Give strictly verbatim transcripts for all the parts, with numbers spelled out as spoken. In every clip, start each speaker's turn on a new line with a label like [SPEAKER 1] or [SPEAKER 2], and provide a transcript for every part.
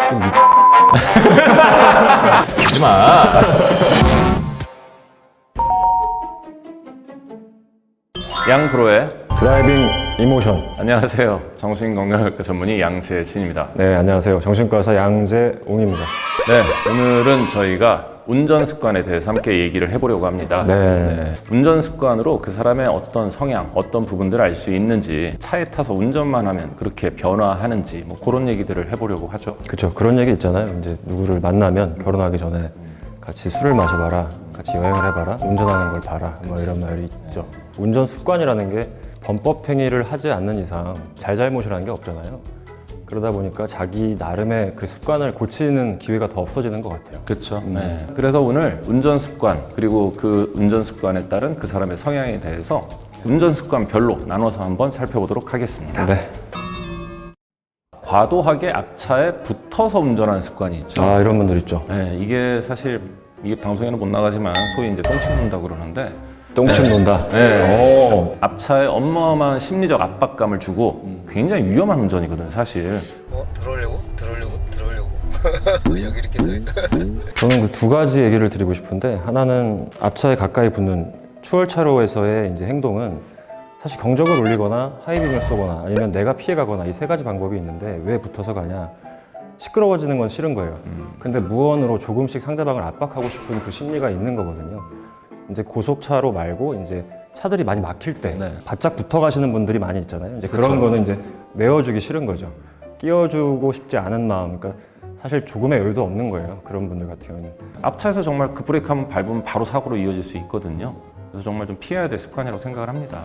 [SPEAKER 1] 좀 미...
[SPEAKER 2] 하지마. 양프로의
[SPEAKER 1] 드라이빙 이모션.
[SPEAKER 2] 안녕하세요. 정신건강학과 전문의 양재진입니다.
[SPEAKER 1] 네, 안녕하세요. 정신과 의사 양재웅입니다.
[SPEAKER 2] 네, 오늘은 저희가 운전 습관에 대해서 함께 얘기를 해보려고 합니다.
[SPEAKER 1] 네.
[SPEAKER 2] 네, 운전 습관으로 그 사람의 어떤 성향, 어떤 부분들을 알 수 있는지, 차에 타서 운전만 하면 그렇게 변화하는지, 뭐 그런 얘기들을 해보려고 하죠.
[SPEAKER 1] 그렇죠. 그런 얘기 있잖아요. 이제 누구를 만나면 결혼하기 전에 같이 술을 마셔봐라, 같이 여행을 해봐라, 운전하는 걸 봐라, 뭐 이런 말이 있죠. 운전 습관이라는 게 범법 행위를 하지 않는 이상 잘잘못이라는 게 없잖아요. 그러다 보니까 자기 나름의 그 습관을 고치는 기회가 더 없어지는 것 같아요.
[SPEAKER 2] 그렇죠. 네. 그래서 오늘 운전 습관, 그리고 그 운전 습관에 따른 그 사람의 성향에 대해서 운전 습관별로 나눠서 한번 살펴보도록 하겠습니다.
[SPEAKER 1] 네.
[SPEAKER 2] 과도하게 앞차에 붙어서 운전하는 습관이 있죠.
[SPEAKER 1] 아, 이런 분들 있죠.
[SPEAKER 2] 네, 이게 사실 이게 방송에는 못 나가지만 소위 이제 똥침 논다 그러는데
[SPEAKER 1] 똥침
[SPEAKER 2] 네.
[SPEAKER 1] 논다.
[SPEAKER 2] 네.
[SPEAKER 1] 오.
[SPEAKER 2] 앞차에 어마어마한 심리적 압박감을 주고 굉장히 위험한 운전이거든요, 사실.
[SPEAKER 3] 어? 들어오려고? 들어오려고? 들어오려고? 여기 이렇게 서 있다.
[SPEAKER 1] 저는 그 두 가지 얘기를 드리고 싶은데, 하나는 앞차에 가까이 붙는 추월차로에서의 이제 행동은 사실 경적을 울리거나 하이빔을 쏘거나 아니면 내가 피해가거나 이 세 가지 방법이 있는데 왜 붙어서 가냐? 시끄러워지는 건 싫은 거예요.
[SPEAKER 2] 음.
[SPEAKER 1] 근데 무언으로 조금씩 상대방을 압박하고 싶은 그 심리가 있는 거거든요. 이제 고속차로 말고 이제 차들이 많이 막힐 때
[SPEAKER 2] 네.
[SPEAKER 1] 바짝 붙어 가시는 분들이 많이 있잖아요. 이제 그런
[SPEAKER 2] 그쵸.
[SPEAKER 1] 거는 이제 내어주기 싫은 거죠. 끼워주고 싶지 않은 마음. 그러니까 사실 조금의 여유도 없는 거예요. 그런 분들 같은 경우는.
[SPEAKER 2] 앞차에서 정말 급브레이크 한번 밟으면 바로 사고로 이어질 수 있거든요. 그래서 정말 좀 피해야 될 습관이라고 생각을 합니다.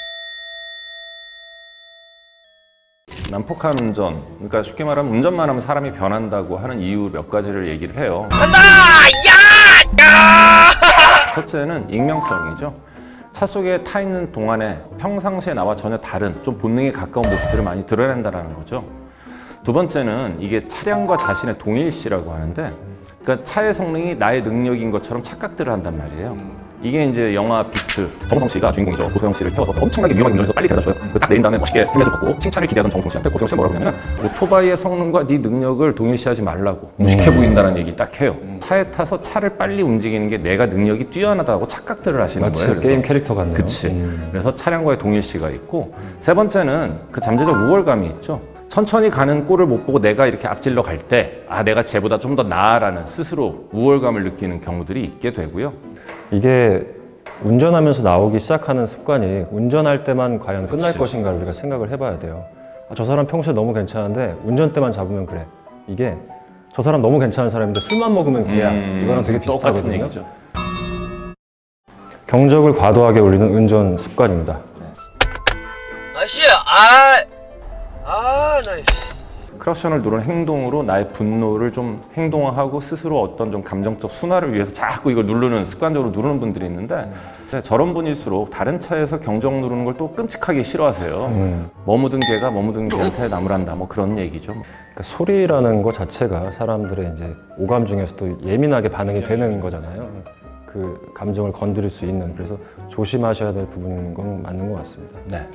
[SPEAKER 2] 난폭한 운전, 그러니까 쉽게 말하면 운전만 하면 사람이 변한다고 하는 이유 몇 가지를 얘기를 해요.
[SPEAKER 3] 간다! 야! 야!
[SPEAKER 2] 첫째는 익명성이죠. 차 속에 타 있는 동안에 평상시에 나와 전혀 다른 좀 본능에 가까운 모습들을 많이 드러낸다는 거죠. 두 번째는 이게 차량과 자신의 동일시라고 하는데, 그러니까 차의 성능이 나의 능력인 것처럼 착각들을 한단 말이에요. 이게 이제 영화 비트, 정우성 씨가 주인공이죠. 고소영 씨를 태워서 엄청나게 위험하게 운전해서 빨리 데려다 줘요. 딱 내린 다음에 멋있게 헬멧을 벗고 칭찬을 기대하던 정우성 씨한테 고소영 씨가 뭐라고 하냐면, 오토바이의 성능과 네 능력을 동일시하지 말라고, 무식해 보인다는 얘기를 딱 해요. 차에 타서 차를 빨리 움직이는 게 내가 능력이 뛰어나다고 착각들을 하시는
[SPEAKER 1] 마치
[SPEAKER 2] 거예요.
[SPEAKER 1] 게임 캐릭터 같네요.
[SPEAKER 2] 그치.
[SPEAKER 1] 음.
[SPEAKER 2] 그래서 차량과의 동일시가 있고, 세 번째는 그 잠재적 우월감이 있죠. 천천히 가는 꼴을 못 보고 내가 이렇게 앞질러 갈 때, 아, 내가 쟤보다 좀 더 나아라는 스스로 우월감을 느끼는 경우들이 있게 되고요.
[SPEAKER 1] 이게 운전하면서 나오기 시작하는 습관이 운전할 때만 과연 끝날
[SPEAKER 2] 그치.
[SPEAKER 1] 것인가를 우리가 생각을 해봐야 돼요. 아, 저 사람 평소에 너무 괜찮은데 운전 때만 잡으면 그래. 이게 저 사람 너무 괜찮은 사람인데 술만 먹으면 그야.
[SPEAKER 2] 음,
[SPEAKER 1] 이거랑 되게
[SPEAKER 2] 똑같은
[SPEAKER 1] 비슷하거든요.
[SPEAKER 2] 얘기죠.
[SPEAKER 1] 경적을 과도하게 울리는 운전 습관입니다.
[SPEAKER 3] 아씨! 아! 아, 나 씨.
[SPEAKER 2] 크락션을 누르는 행동으로 나의 분노를 좀 행동화하고 스스로 어떤 좀 감정적 순화를 위해서 자꾸 이걸 누르는, 습관적으로 누르는 분들이 있는데, 저런 분일수록 다른 차에서 경적 누르는 걸 또 끔찍하게 싫어하세요.
[SPEAKER 1] 음.
[SPEAKER 2] 머무든 개가 머무든 개한테 나무란다, 뭐 그런 얘기죠.
[SPEAKER 1] 그러니까 소리라는 것 자체가 사람들의 이제 오감 중에서도 예민하게 반응이 되는 거잖아요. 그 감정을 건드릴 수 있는. 그래서 조심하셔야 될 부분인 건 맞는 것 같습니다.
[SPEAKER 2] 네.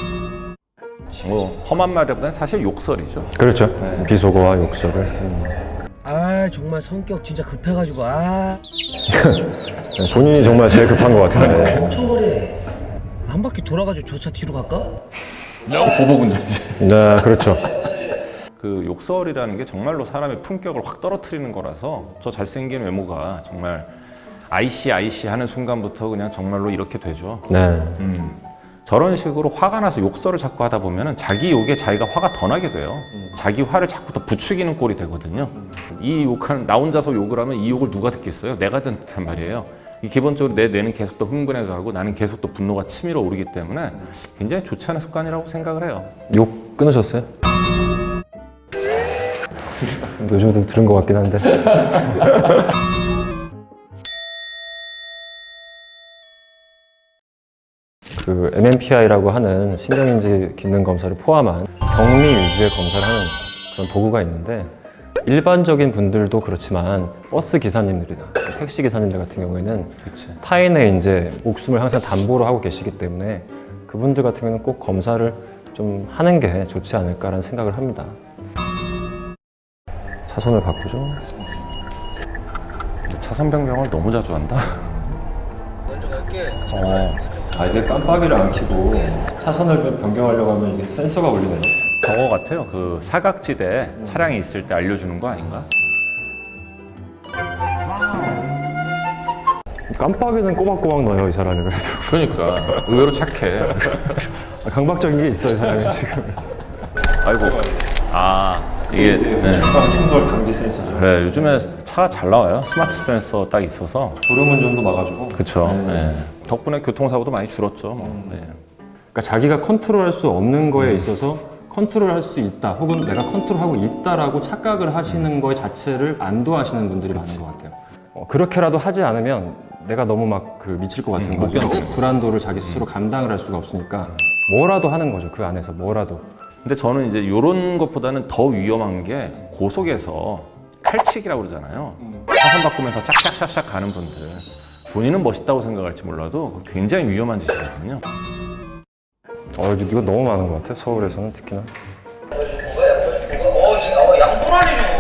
[SPEAKER 2] 뭐 험한 말보다는 사실 욕설이죠.
[SPEAKER 1] 그렇죠. 비속어와 욕설을. 음.
[SPEAKER 3] 아, 정말 성격 진짜 급해가지고, 아.
[SPEAKER 1] 네, 본인이 정말 제일 급한 것 같은데.
[SPEAKER 3] 엄청 거리. 한 바퀴 돌아가지고 저 차 뒤로 갈까?
[SPEAKER 2] 보복운전이지.
[SPEAKER 1] 네, 그렇죠.
[SPEAKER 2] 그 욕설이라는 게 정말로 사람의 품격을 확 떨어뜨리는 거라서, 저 잘생긴 외모가 정말 아이씨 아이씨 하는 순간부터 그냥 정말로 이렇게 되죠.
[SPEAKER 1] 네.
[SPEAKER 2] 음. 저런 식으로 화가 나서 욕설을 자꾸 하다 보면은 자기 욕에 자기가 화가 더 나게 돼요. 자기 화를 자꾸 더 부추기는 꼴이 되거든요. 이 욕하는, 나 혼자서 욕을 하면 이 욕을 누가 듣겠어요? 내가 듣단 말이에요. 이 기본적으로 내 뇌는 계속 더 흥분해 가고 나는 계속 또 분노가 치밀어 오르기 때문에 굉장히 좋지 않은 습관이라고 생각을 해요.
[SPEAKER 1] 욕 끊으셨어요? 요즘도 들은 것 같긴 한데. 그 엠엠피아이라고 하는 신경인지 기능 검사를 포함한 격리 위주의 검사를 하는 그런 도구가 있는데, 일반적인 분들도 그렇지만 버스 기사님들이나 택시 기사님들 같은 경우에는
[SPEAKER 2] 그치.
[SPEAKER 1] 타인의 이제 목숨을 항상 담보로 하고 계시기 때문에 그분들 같은 경우는 꼭 검사를 좀 하는 게 좋지 않을까라는 생각을 합니다. 차선을 바꾸죠.
[SPEAKER 2] 근데 차선 변경을 너무 자주 한다.
[SPEAKER 3] 먼저 갈게.
[SPEAKER 2] 어,
[SPEAKER 1] 아 이게 깜빡이를 안 켜고 차선을 변경하려고 하면 이게 센서가 울리네요.
[SPEAKER 2] 저거 같아요. 그 사각지대 차량이 있을 때 알려주는 거 아닌가?
[SPEAKER 1] 깜빡이는 꼬박꼬박 넣어요 이 사람이 그래도.
[SPEAKER 2] 그러니까 의외로 착해.
[SPEAKER 1] 강박적인 게 있어 이 사람이 지금.
[SPEAKER 2] 아이고. 아 이게 네.
[SPEAKER 1] 충돌 방지 센서죠.
[SPEAKER 2] 그래 요즘에 차가 잘 나와요. 스마트 센서 딱 있어서.
[SPEAKER 1] 졸음운전도 막아주고.
[SPEAKER 2] 그렇죠. 네. 덕분에 교통사고도 많이 줄었죠. 뭐. 네.
[SPEAKER 1] 그러니까 자기가 컨트롤할 수 없는 거에 있어서 컨트롤할 수 있다 혹은 내가 컨트롤하고 있다라고 착각을 하시는 거 자체를 안도하시는 분들이 많은 것 같아요. 어, 그렇게라도 하지 않으면 내가 너무 막 그 미칠 것 같은
[SPEAKER 2] 음, 못
[SPEAKER 1] 거죠.
[SPEAKER 2] 견뎌.
[SPEAKER 1] 불안도를 자기 스스로 감당을 할 수가 없으니까 뭐라도 하는 거죠. 그 안에서 뭐라도.
[SPEAKER 2] 근데 저는 이제 이런 것보다는 더 위험한 게 고속에서 칼치기라고 그러잖아요. 차선 바꾸면서 짝짝짝짝 가는 분들. 본인은 멋있다고 생각할지 몰라도 굉장히 위험한 짓이거든요.
[SPEAKER 1] 어, 이거 너무 많은 것 같아. 서울에서는 특히나.
[SPEAKER 3] 어, 지금 어, 양보라니죠.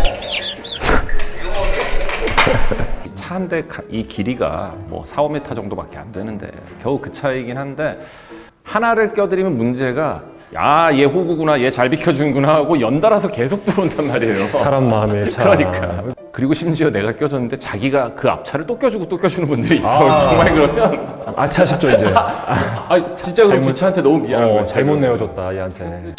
[SPEAKER 2] 차 한 대 이 길이가 뭐 사, 오 미터 정도밖에 안 되는데 겨우 그 차이긴 한데 하나를 껴드리면 문제가 야, 얘 호구구나, 얘 잘 비켜주는구나 하고 연달아서 계속 들어온단 말이에요.
[SPEAKER 1] 사람 마음의 차.
[SPEAKER 2] 그러니까. 그리고 심지어 내가 껴줬는데 자기가 그 앞차를 또 껴주고 또 껴주는 분들이 있어.
[SPEAKER 1] 아.
[SPEAKER 2] 정말 그러면
[SPEAKER 1] 아차 싶죠 이제.
[SPEAKER 2] 아 진짜 그럼 그 차한테 너무 미안한
[SPEAKER 1] 어,
[SPEAKER 2] 거야.
[SPEAKER 1] 잘못 내어줬다 얘한테.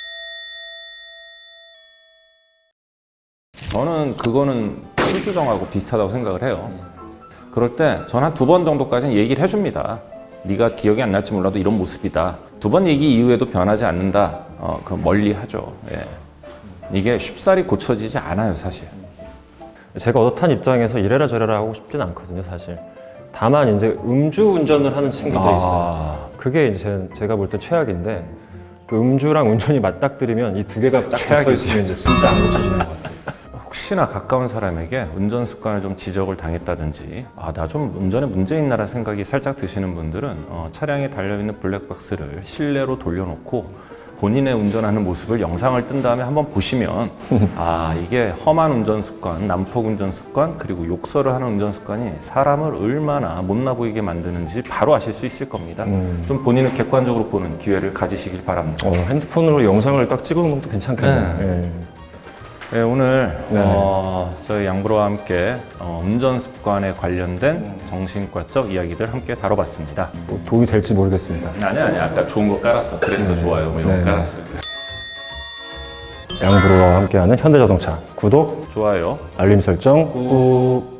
[SPEAKER 2] 저는 그거는 술주정하고 비슷하다고 생각을 해요. 그럴 때 전 한 두 번 정도까지는 얘기를 해줍니다. 네가 기억이 안 날지 몰라도 이런 모습이다. 두 번 얘기 이후에도 변하지 않는다. 어, 그럼 멀리 하죠. 예. 이게 쉽사리 고쳐지지 않아요, 사실.
[SPEAKER 1] 제가 어엿한 입장에서 이래라 저래라 하고 싶진 않거든요 사실. 다만 이제 음주 운전을 하는 친구들이 있어요. 그게 이제 제가 볼 때 최악인데 그 음주랑 운전이 맞닥뜨리면 이 두 개가 딱 붙어 있으면 이제 진짜 안 고쳐지는 것 같아요.
[SPEAKER 2] 혹시나 가까운 사람에게 운전 습관을 좀 지적을 당했다든지 아, 나 좀 운전에 문제 있나라는 생각이 살짝 드시는 분들은 어, 차량에 달려있는 블랙박스를 실내로 돌려놓고 본인의 운전하는 모습을 영상을 뜬 다음에 한번 보시면 아, 이게 험한 운전 습관, 난폭 운전 습관, 그리고 욕설을 하는 운전 습관이 사람을 얼마나 못나 보이게 만드는지 바로 아실 수 있을 겁니다.
[SPEAKER 1] 음.
[SPEAKER 2] 좀 본인을 객관적으로 보는 기회를 가지시길 바랍니다.
[SPEAKER 1] 어, 핸드폰으로 영상을 딱 찍어놓는 것도 괜찮겠네요.
[SPEAKER 2] 네.
[SPEAKER 1] 예.
[SPEAKER 2] 네, 오늘
[SPEAKER 1] 네.
[SPEAKER 2] 어, 저희 양브로와 함께 어, 운전 습관에 관련된 정신과적 이야기들 함께 다뤄봤습니다.
[SPEAKER 1] 뭐 도움이 될지 모르겠습니다.
[SPEAKER 2] 아니 아니 아까 좋은 거 깔았어. 그래서 더 좋아요. 뭐 이런
[SPEAKER 1] 네.
[SPEAKER 2] 거 깔았어.
[SPEAKER 1] 양브로와 함께하는 현대자동차 구독,
[SPEAKER 2] 좋아요.
[SPEAKER 1] 알림 설정 꾹.